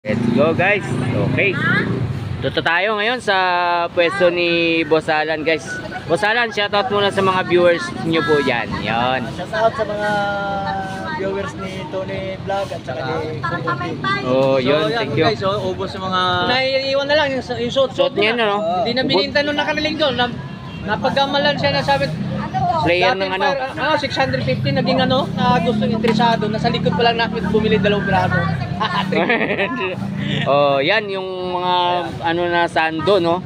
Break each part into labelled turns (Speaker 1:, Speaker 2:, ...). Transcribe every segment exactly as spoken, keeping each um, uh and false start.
Speaker 1: Let's go guys. Okay. Dito tayo ngayon sa pwesto ni Boss Alan guys. Boss Alan, shoutout muna sa mga viewers nyo po dyan. Yan.
Speaker 2: Shoutout sa mga viewers ni Tony Vlog at saka ni Kumputi.
Speaker 1: Oh, yun.
Speaker 3: So, yan,
Speaker 1: Thank you.
Speaker 3: guys, so, ubos sa mga... Naiiwan na lang yung, yung suit.
Speaker 1: Suot niya na, no?
Speaker 3: Hindi na bininta nung nakaraling doon. Na, napagamalan siya na sabi,
Speaker 1: Player ng
Speaker 3: dating
Speaker 1: ano.
Speaker 3: fire- ah, six hundred fifty naging ano, na gusto interesado. Nasa likod pa lang namin bumili dalawang braso.
Speaker 1: Oh, yan yung mga ano na sando, no?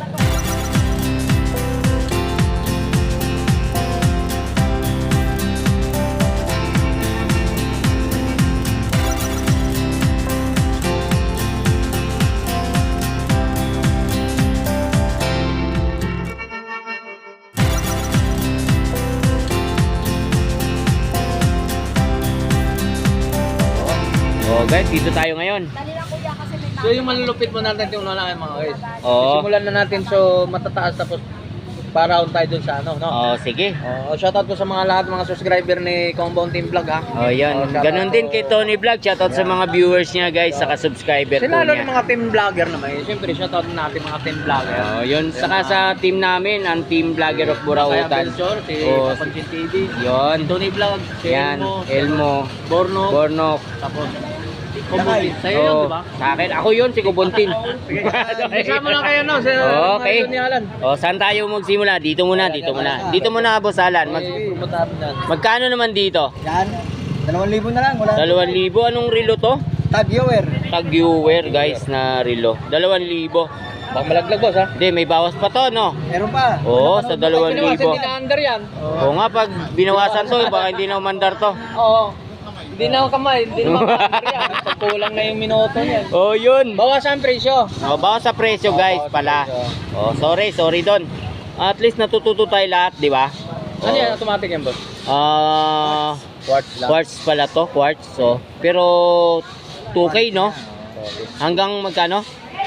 Speaker 1: Oh, guys, dito tayo ngayon.
Speaker 3: So yung malulupit mo natin yung unahan mga guys.
Speaker 1: Oo.
Speaker 3: Simulan na natin so matataas tapos para-round tayo dun sa ano, no?
Speaker 1: Oh, sige.
Speaker 3: Oh, shoutout po sa mga lahat mga subscriber ni Compound Team Vlog ha.
Speaker 1: Oh, yan.
Speaker 3: Oh, shoutout
Speaker 1: Ganon din
Speaker 3: po.
Speaker 1: kay Tony Vlog. Shoutout sa mga viewers niya, guys, saka subscriber po
Speaker 3: Sila lalo
Speaker 1: niya.
Speaker 3: ng mga team vlogger naman. Eh. Siyempre shoutout natin mga team vlogger.
Speaker 1: Oh, yun. Saka sa team namin, ang Team Vlogger of
Speaker 3: Kaya
Speaker 1: Burautan.
Speaker 3: Belchor, si
Speaker 1: Oh,
Speaker 3: Kapansin T V,
Speaker 1: Yun.
Speaker 3: Tony Vlog, si
Speaker 1: Yan.
Speaker 3: Elmo,
Speaker 1: Elmo.
Speaker 3: Borno,
Speaker 1: Bornok.
Speaker 3: tapos Kumbutin. Sa'yo yun,
Speaker 1: Oh,
Speaker 3: di ba?
Speaker 1: sa akin. Ako yun, si Kubuntin.
Speaker 3: Kasama lang kayo, no? Sa
Speaker 1: Okay.
Speaker 3: mga ni Alan.
Speaker 1: Oh, saan tayo magsimula? Dito muna, dito muna. Dito muna, Boss Alan. Mag
Speaker 3: Eh, pumunta natin dyan.
Speaker 1: magkano naman dito?
Speaker 2: Yan. Dalawang libo na lang. Wala.
Speaker 1: Dalawang libo. Anong relo to?
Speaker 2: Tag viewer.
Speaker 1: Tag-viewer, guys, na relo. Dalawang libo.
Speaker 3: Baka malaglag, boss, ha?
Speaker 1: Hindi, may bawas pa to, no?
Speaker 2: Meron pa.
Speaker 1: Oo, sa dalawang
Speaker 3: Pinawasan
Speaker 1: libo.
Speaker 3: din na under yan.
Speaker 1: Oo nga, pag binawasan to, baka hindi na umandar to.
Speaker 3: Oo. Hindi na ako kamay, hindi na under yan. Pagkulang na yung minuto niyan.
Speaker 1: Oh, yun.
Speaker 3: Bawasan ang presyo.
Speaker 1: Oh, bawas sa presyo, guys, pala. Oh, sorry, sorry doon. At least natututo tayo lahat, di ba?
Speaker 3: Ano yan? Automatic yan, boss?
Speaker 1: Ah,
Speaker 3: Quartz
Speaker 1: quartz pala to, quartz. So, pero two K, no? Hanggang magkano?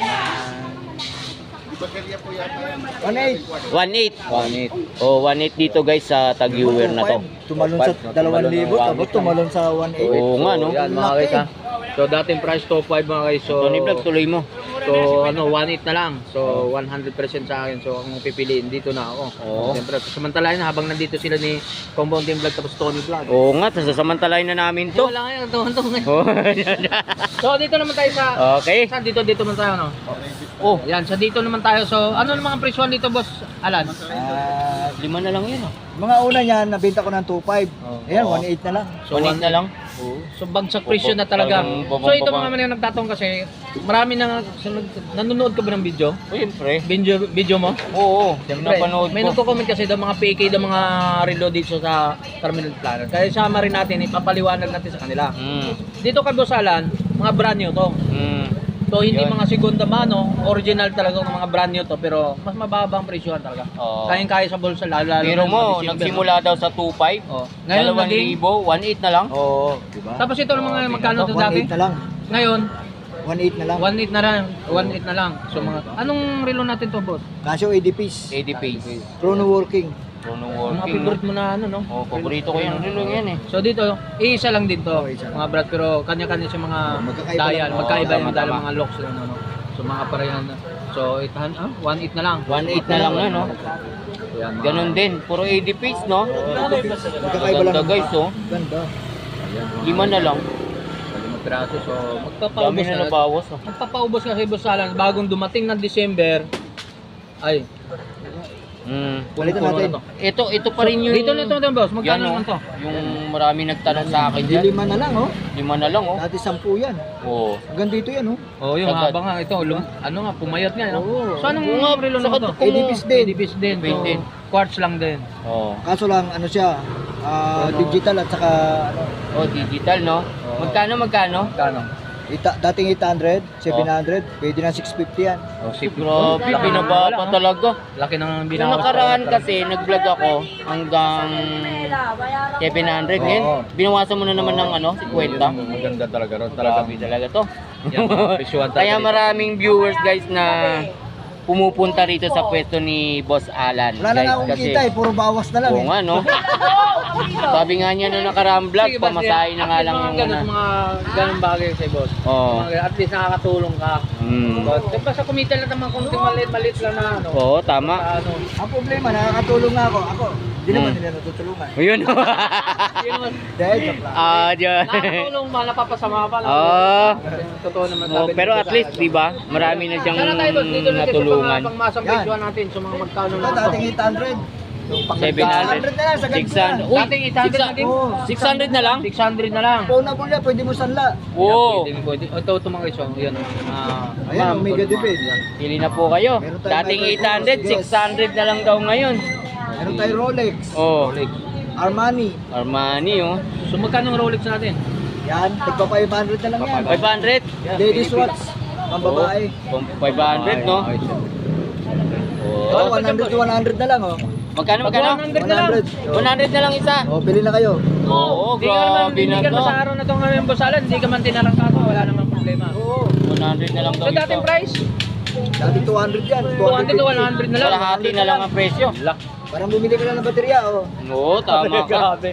Speaker 2: one eight.
Speaker 1: one eight.
Speaker 3: one eight.
Speaker 1: Oh, one eight dito, guys, sa tag-viewer na to.
Speaker 2: Tumalon sa dalawang libo. Tapos tumalon sa one eight.
Speaker 1: Oo nga, no?
Speaker 3: Yan, mga guys, ha? So, dating price top five, mga guys. So,
Speaker 1: Tony Vlog, tuloy mo.
Speaker 3: So ano, one eight na lang. So one hundred percent sa akin. So ang pipiliin dito na ako.
Speaker 1: Oo.
Speaker 3: Siyempre, samantalahin na habang nandito sila ni Compound Team Vlog tapos Tony Vlog.
Speaker 1: Oo nga, sasamantalain na namin to.
Speaker 3: Wala ngayon, ito, ito ngayon.
Speaker 1: Oh,
Speaker 3: So dito naman tayo sa
Speaker 1: okay.
Speaker 3: Saan dito dito naman tayo, no? Oh, yan, sa dito naman tayo. So ano naman ang presyon dito, boss Alan?
Speaker 2: Ah,
Speaker 1: Lima na lang yun, oh.
Speaker 2: mga una niyan, nabenta ko ng two five.
Speaker 3: Oh.
Speaker 2: Ayan,
Speaker 1: Oo.
Speaker 2: one eight na lang.
Speaker 1: So, one eight na lang.
Speaker 3: So bagsak presyo na talaga.
Speaker 1: Babang-
Speaker 3: So ito
Speaker 1: babang-
Speaker 3: mga man yung nagtatong kasi marami nang nanonood ka ba ng video?
Speaker 1: Oh, siyempre.
Speaker 3: Video video mo?
Speaker 1: Oo,
Speaker 3: Siyempre,
Speaker 1: napanood
Speaker 3: may
Speaker 1: ko.
Speaker 3: nagko-comment kasi daw mga P K daw mga reload dito sa Terminal Planner. Kaya sama rin natin, ipapaliwanag natin sa kanila.
Speaker 1: Mm.
Speaker 3: Dito kay Boss Alan, mga brand new to.
Speaker 1: Mm.
Speaker 3: So hindi
Speaker 1: Yun.
Speaker 3: mga segunda mano, original talaga ng mga brand new to, pero mas mababa ang presyo talaga.
Speaker 1: Oo.
Speaker 3: Kayang-kaya sa bulsa lalo lalo.
Speaker 1: Pero
Speaker 3: na
Speaker 1: mo,
Speaker 3: mga December,
Speaker 1: nagsimula daw sa two five.
Speaker 3: no? Oh. Ngayon
Speaker 1: Dalawang
Speaker 3: naging
Speaker 1: libo, one eight na lang.
Speaker 2: Oo, di ba?
Speaker 3: tapos ito ng mga
Speaker 1: Oh,
Speaker 3: magkano to
Speaker 2: one
Speaker 3: dati?
Speaker 2: eight na lang.
Speaker 3: Ngayon,
Speaker 2: one eight na lang.
Speaker 3: one eight na lang, one eight na lang. So mga anong relo natin to, boss?
Speaker 2: Casio A D piece.
Speaker 1: eighty pace.
Speaker 2: Chrono working.
Speaker 1: Puno
Speaker 3: Mga
Speaker 1: working.
Speaker 3: favorite mo na ano, no?
Speaker 1: Oh, paborito ko yan. Ano yan eh.
Speaker 3: So dito, iisa lang din to,
Speaker 2: Oh, isa lang.
Speaker 3: mga brad, pero kanya-kanya siya mga
Speaker 2: Magkakaiba
Speaker 3: dial,
Speaker 2: lang.
Speaker 3: magkaiba
Speaker 1: Oh,
Speaker 3: yung
Speaker 1: tama,
Speaker 3: dial,
Speaker 1: tama.
Speaker 3: mga locks na ano, no? So mga parehan na. So eight hundred, ah, one eight na lang.
Speaker 1: one eight na lang na, no?
Speaker 3: Yan, mga-
Speaker 1: Ganun din. Puro eighty pace, no?
Speaker 2: Magkakaiba lang.
Speaker 1: Ganda, guys, oh.
Speaker 2: Ganda.
Speaker 1: Lima na lang.
Speaker 3: Limang piraso. So
Speaker 1: Dami
Speaker 3: magpapaubos
Speaker 1: na
Speaker 3: na.
Speaker 1: nabawas, oh.
Speaker 3: Magpapaubos kasi Boss Alan, bagong dumating ng December. Ay,
Speaker 1: Mm.
Speaker 2: Balikan
Speaker 3: puno-puno
Speaker 2: natin.
Speaker 3: na to.
Speaker 1: Ito, ito pa rin yung...
Speaker 3: Dito nito din, boss.
Speaker 1: Yan,
Speaker 3: Magkano
Speaker 1: oh.
Speaker 3: naman to?
Speaker 1: Yung marami nagtanong sa akin
Speaker 2: Hindi
Speaker 1: dyan.
Speaker 2: lima na lang, oh.
Speaker 1: Lima na lang, oh.
Speaker 2: Dati sampu yan.
Speaker 1: Oo.
Speaker 2: Hanggang dito yan, oh.
Speaker 3: Oh, yung
Speaker 1: Sagad.
Speaker 3: haba nga ito, lum, ano nga, pumayat nga, no?
Speaker 2: Oo.
Speaker 3: So anong
Speaker 1: Oo nga,
Speaker 3: relo naman
Speaker 1: sagad
Speaker 3: to?
Speaker 1: kung-
Speaker 2: A D piece din.
Speaker 3: A D piece din.
Speaker 1: Wait
Speaker 3: So,
Speaker 1: din.
Speaker 3: quartz lang din.
Speaker 1: Oo.
Speaker 2: Kaso lang, ano siya, ah, digital at saka, ano,
Speaker 1: Oh, digital, no?
Speaker 3: Oo.
Speaker 1: Magkano, magkano?
Speaker 3: Kano?
Speaker 2: ita, dating eight hundred, seven hundred, pwede na six fifty yan.
Speaker 3: Oh, si
Speaker 1: Grabe, binaba pa talaga.
Speaker 3: Laki ng
Speaker 1: Yung
Speaker 3: binawas.
Speaker 1: nakaraan kasi, nag-vlog ako hanggang seven hundred. Ngayon,
Speaker 3: Oo.
Speaker 1: binawasan mo na naman ng ano, fifty.
Speaker 3: Maganda talaga ron.
Speaker 1: Grabe talaga to.
Speaker 3: Yan, mga presyuhan talaga
Speaker 1: Kaya
Speaker 3: dito.
Speaker 1: maraming viewers, guys, na pumupunta rito sa pwesto ni Boss Alan.
Speaker 2: Wala na
Speaker 1: guys,
Speaker 2: nga akong kita eh, puro bawas na lang
Speaker 1: Oo
Speaker 2: eh.
Speaker 1: nga, no? Sabi nga niya nung nakaraang vlog,
Speaker 3: Sige, boss,
Speaker 1: pamasahe na
Speaker 3: at
Speaker 1: nga
Speaker 3: least
Speaker 1: lang
Speaker 3: mga
Speaker 1: yung
Speaker 3: ganun,
Speaker 1: una.
Speaker 3: mga ganun bagay sa boss.
Speaker 1: Oo.
Speaker 3: Mga ganun, at least nakakatulong ka.
Speaker 1: Mm.
Speaker 3: But, diba sa kumita lang naman kung maliit-maliit lang na ano.
Speaker 1: Oo, tama.
Speaker 3: Sa ano.
Speaker 2: Ang problema, nakakatulong nga ako. Ako, hindi naman
Speaker 1: Hmm.
Speaker 2: nila natutulungan.
Speaker 1: Ayun.
Speaker 3: Yun naman.
Speaker 2: Dahil, joke lang.
Speaker 1: Ah, diyan.
Speaker 3: Nakakatulong ba, napapasama pa.
Speaker 1: Oo.
Speaker 3: Totoo naman
Speaker 1: Oh,
Speaker 3: sabi
Speaker 1: pero
Speaker 3: ni
Speaker 1: at
Speaker 3: Boss
Speaker 1: least,
Speaker 3: Alan.
Speaker 1: di ba? Marami na siyang
Speaker 3: Sana tayo boss, dito natin sa
Speaker 1: natulungan.
Speaker 3: pang, pangmasang
Speaker 2: Yan.
Speaker 3: video natin sa mga magkano
Speaker 2: Ito,
Speaker 3: na
Speaker 2: dating eight hundred.
Speaker 1: seven hundred.
Speaker 2: na lang, sagad
Speaker 1: six
Speaker 2: mo na.
Speaker 1: hundred. Uy,
Speaker 3: Dating eight hundred na din.
Speaker 2: Oo.
Speaker 1: six hundred na lang?
Speaker 3: six hundred na lang.
Speaker 2: Phone na pula, pwede mo sanla.
Speaker 1: Oo.
Speaker 3: Pwede, pwede. Ito, ito mga iso. Yan. Ah,
Speaker 2: Ayan,
Speaker 3: ma'am,
Speaker 2: Omega
Speaker 3: ito,
Speaker 2: Debate.
Speaker 3: yan.
Speaker 1: Pili na po kayo.
Speaker 2: Meron tayong
Speaker 1: Dating
Speaker 2: microphone,
Speaker 1: eight hundred,
Speaker 2: yes.
Speaker 1: six hundred na lang daw ngayon.
Speaker 2: Meron tayo Rolex,
Speaker 1: Oh,
Speaker 3: Rolex.
Speaker 2: Armani.
Speaker 1: Armani oh.
Speaker 3: So magkano ang Rolex natin?
Speaker 2: Yan, tigpa five hundred na lang yan.
Speaker 1: five hundred?
Speaker 2: Ladies watch, pang babae.
Speaker 1: Oh, five hundred no?
Speaker 3: Ay, siyempre.
Speaker 2: Oh,
Speaker 1: Oh.
Speaker 2: one hundred to one hundred na lang oh.
Speaker 1: Magkano, magkano?
Speaker 3: one hundred na lang.
Speaker 1: one hundred na lang isa.
Speaker 2: Oh, pili na kayo.
Speaker 1: Oo,
Speaker 3: Hindi ka naman,
Speaker 1: grabe
Speaker 3: hindi
Speaker 1: na
Speaker 3: ka
Speaker 1: to.
Speaker 3: naman sa araw na to ngayon, Boss Alan, hindi ka man tinarangkato, wala namang problema.
Speaker 2: Oo.
Speaker 1: one hundred na lang daw
Speaker 3: So dating
Speaker 1: ito.
Speaker 3: price,
Speaker 2: Dati two hundred yan.
Speaker 3: two hundred to one hundred na lang.
Speaker 1: Kalahati na lang ang presyo.
Speaker 2: Parang bumili ka lang ng baterya oh.
Speaker 1: Oo, tama ka.
Speaker 3: Grabe.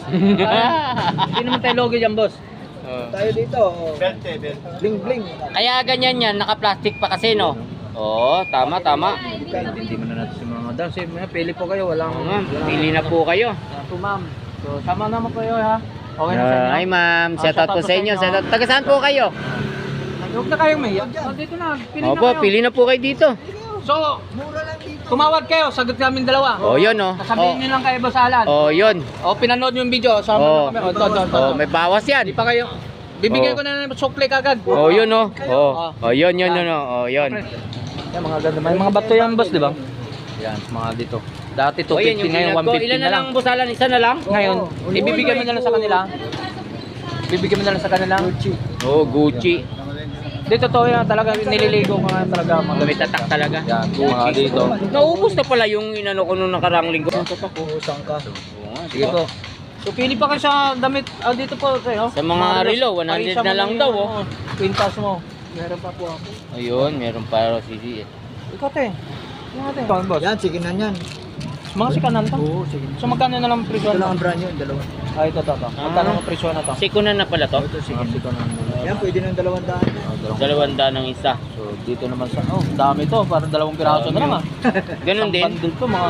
Speaker 3: Hindi naman tayo logi dyan, boss.
Speaker 1: Oh.
Speaker 2: Tayo dito. Oh. Bling bling.
Speaker 1: Kaya ganyan yan, naka-plastic pa kasi no? Oo, tama, tama.
Speaker 3: Hindi mo na natin si mga dam. Sige, pili po kayo, walang...
Speaker 1: Oo, ma'am, pili na po kayo.
Speaker 3: Ito, ma'am. So, sama naman po kayo, ha? Okay na sa
Speaker 1: Uh,
Speaker 3: inyo?
Speaker 1: hi ma'am,
Speaker 3: Ah,
Speaker 1: shout out po sa inyo. Shout out. Taga saan po kayo?
Speaker 3: Huwag na kayong may. Oh, dito na, pili na
Speaker 1: Opo,
Speaker 3: kayo.
Speaker 1: pili na po kayo dito.
Speaker 3: So,
Speaker 2: Mura lang dito.
Speaker 3: tumawag kayo, sagot namin dalawa.
Speaker 1: Oh, yun oh.
Speaker 3: Sasabihin nyo lang kayo, Boss Alan.
Speaker 1: Oh, yun.
Speaker 3: O, pinanood nyo yung video, sama
Speaker 1: Oh.
Speaker 3: na kami. O, ito, ito, ito.
Speaker 1: Oh, may bawas yan.
Speaker 3: Hindi pa kayo. Bibigyan
Speaker 1: Oh.
Speaker 3: ko na ng sukli kagad.
Speaker 1: Oh, yun oh. Oh, oh yun, yun, yun oh. Oh, yun.
Speaker 3: Yan, mga ganda. May mga bato yan, boss, di ba? Yan, mga dito. Dati
Speaker 1: Oh, yan
Speaker 3: two fifty,
Speaker 1: yung
Speaker 3: ngayon
Speaker 1: pinag
Speaker 3: one
Speaker 1: ko.
Speaker 3: fifty
Speaker 1: Ilan
Speaker 3: na
Speaker 1: na
Speaker 3: lang.
Speaker 1: lang busalan? Isa na lang?
Speaker 3: Ngayon,
Speaker 2: Oo.
Speaker 3: ibibigay mo na lang sa kanila. Bibigyan mo na lang sa kanila.
Speaker 2: Gucci.
Speaker 1: Oh, Gucci.
Speaker 3: Dito to yan, talaga nililigo ko nga talaga. Mga
Speaker 1: May tatak talaga.
Speaker 3: yan, mga dito.
Speaker 1: Naubos na pala yung inano ko nung nakarang linggo.
Speaker 2: Usang ka.
Speaker 1: Oo nga,
Speaker 3: Sige po. So pili pa kayo sa damit. Ah, dito po kayo.
Speaker 1: Sa mga relo, one hundred na lang daw, oh.
Speaker 3: Quintas mo. Meron pa po ako.
Speaker 1: Ayun, meron pa si si.
Speaker 3: Ikaw te. Ikaw te. Ikaw, boss.
Speaker 2: Yan, sige na yan.
Speaker 3: Mga sikanan to.
Speaker 2: Oo, sige.
Speaker 3: So magkano na lang presyo
Speaker 2: Ito lang
Speaker 3: na?
Speaker 2: ang brand yun, dalawa.
Speaker 3: Ah, ito, ito, ito. Magkano ang presyo na to?
Speaker 1: Sikunan na pala to.
Speaker 3: Ito, sige. Sikanan na.
Speaker 2: Yan, pwede ng dalawang daan.
Speaker 1: Dalawang daan ng isa.
Speaker 3: So dito naman sa, oh, dami to, parang dalawang piraso na lang ah.
Speaker 1: Ganun
Speaker 3: Isang
Speaker 1: din.
Speaker 3: bundle to mga.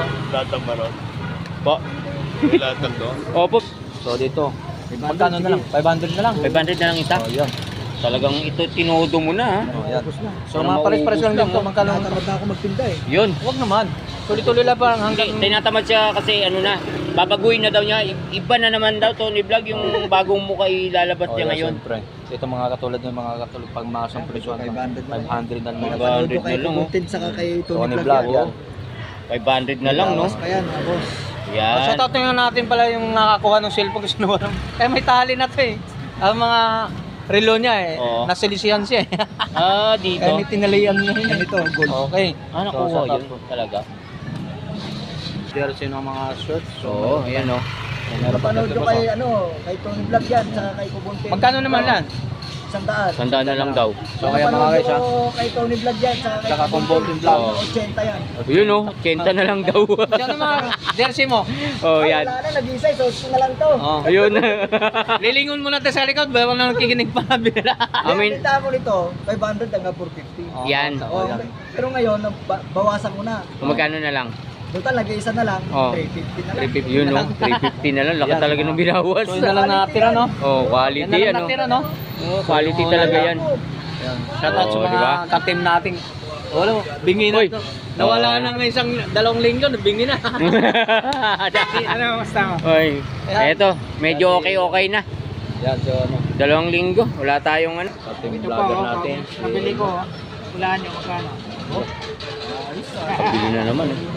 Speaker 1: Po. Opo.
Speaker 3: So dito, magkano na lang? five hundred na lang.
Speaker 1: five hundred na lang isa.
Speaker 3: Oh, yan.
Speaker 1: Talagang ito tinodo mo na ha.
Speaker 3: Oh, yan.
Speaker 2: Tapos na.
Speaker 3: So mga pares-pares lang dito, magkano?
Speaker 2: Nakatamad na ako magtinda eh.
Speaker 1: Yun.
Speaker 3: Huwag naman. Tuloy-tuloy lang parang
Speaker 1: Hindi,
Speaker 3: hanggang
Speaker 1: tinatamad siya kasi ano na, babaguhin na daw niya. I- Iba na naman daw Tony Vlog yung bagong mukha ilalabas
Speaker 3: Oh,
Speaker 1: niya
Speaker 3: yan,
Speaker 1: ngayon.
Speaker 3: siyempre. Ito mga katulad ng mga katulad pag masang presyo
Speaker 2: five hundred na lang.
Speaker 3: five hundred na lang.
Speaker 1: five
Speaker 2: Napanood
Speaker 1: hundred
Speaker 2: ko kay
Speaker 1: na lang, oh.
Speaker 2: Content saka kay Tony
Speaker 3: Tony
Speaker 2: Vlog
Speaker 3: Vlog
Speaker 2: yan.
Speaker 3: yan.
Speaker 1: five hundred na lang no.
Speaker 2: Bawas pa yan, mga boss.
Speaker 3: Oh,
Speaker 1: Yan.
Speaker 3: shout out nga natin pala yung nakakuha ng cellphone kasi nawalan. Kaya may tali na to eh. Ang mga relo niya eh.
Speaker 1: Oo.
Speaker 3: Nasilisihan siya eh.
Speaker 1: Ah, dito.
Speaker 3: Kaya may tinalian niya
Speaker 2: Yan
Speaker 3: yun.
Speaker 2: ito, gold.
Speaker 3: Okay.
Speaker 1: Ah,
Speaker 3: So,
Speaker 1: nakuha
Speaker 3: shout out
Speaker 1: yun
Speaker 3: po.
Speaker 1: talaga.
Speaker 3: There sino ang mga shirts. So,
Speaker 1: Oo, ayan oh.
Speaker 3: meron pa
Speaker 2: Napanood
Speaker 3: dito
Speaker 2: ko
Speaker 3: pa
Speaker 2: kay,
Speaker 3: sa-
Speaker 2: ano, kay Tony Vlog yan, saka kay Kubuntin.
Speaker 3: Magkano naman yan?
Speaker 2: Isang daan.
Speaker 1: Tandaan na lang daw.
Speaker 3: So kaya mga
Speaker 2: Napanood
Speaker 3: guys ha.
Speaker 2: ko kay Tony Vlog yan, saka kay
Speaker 3: Saka
Speaker 2: Kubuntin.
Speaker 3: Kubuntin Vlog.
Speaker 2: eighty yan.
Speaker 1: Yun oh, eighty na lang daw.
Speaker 3: Yan ang mga jersey mo.
Speaker 1: Oh,
Speaker 2: Ay,
Speaker 1: yan.
Speaker 2: wala na, nag-isa, so so na lang to.
Speaker 3: Oh.
Speaker 1: Ayun.
Speaker 3: Lilingon mo natin sa likod, bawal na nakikinig pa bira.
Speaker 1: I mean-
Speaker 2: Ang binta ko nito, five hundred hanggang four fifty.
Speaker 1: Yan.
Speaker 3: Oh,
Speaker 2: Oh,
Speaker 3: yan.
Speaker 2: pero ngayon, ba- bawasan ko na.
Speaker 1: Kung magkano na lang?
Speaker 2: Total, nag-iisa na lang,
Speaker 1: Oh.
Speaker 2: three fifty na lang.
Speaker 1: three fifty yun oh. three fifty na lang. Laki
Speaker 3: Yan,
Speaker 1: talaga
Speaker 3: mga-
Speaker 1: ng binawas.
Speaker 3: So yun na lang natira no?
Speaker 1: Oh,
Speaker 3: Yan
Speaker 1: quality
Speaker 3: na lang
Speaker 1: yan oh.
Speaker 3: natira no?
Speaker 1: Oh, quality talaga yan.
Speaker 3: Yan. Shout out sa
Speaker 1: Oh,
Speaker 3: mga
Speaker 1: di ba?
Speaker 3: ka-team natin. Wala, bingi na
Speaker 1: Uy.
Speaker 3: to. Nawala
Speaker 1: Oh.
Speaker 3: na ng isang dalawang linggo, bingi na. Ano, basta mo?
Speaker 1: Oy, eto, medyo okay-okay na.
Speaker 3: Yan, so ano,
Speaker 1: Dalawang linggo, wala tayong ano.
Speaker 3: ka-team vlogger natin.
Speaker 2: Nabili ko, hulaan nyo magkano.
Speaker 1: Pabili na naman eh.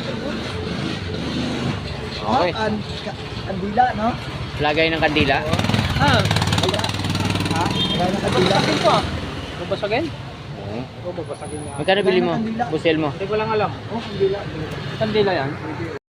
Speaker 3: Okay.
Speaker 2: An, ka- andila, no?
Speaker 1: Lagay ng kandila.
Speaker 3: Ah,
Speaker 2: Ha? Kaya ng kandila.
Speaker 3: babasagin ko ah. Babasagin?
Speaker 1: Oo.
Speaker 3: Oo, babasagin niya.
Speaker 1: Magkano bili mo? Busel mo?
Speaker 3: Hindi ko lang alam. Oh, kandila. Kandila yan.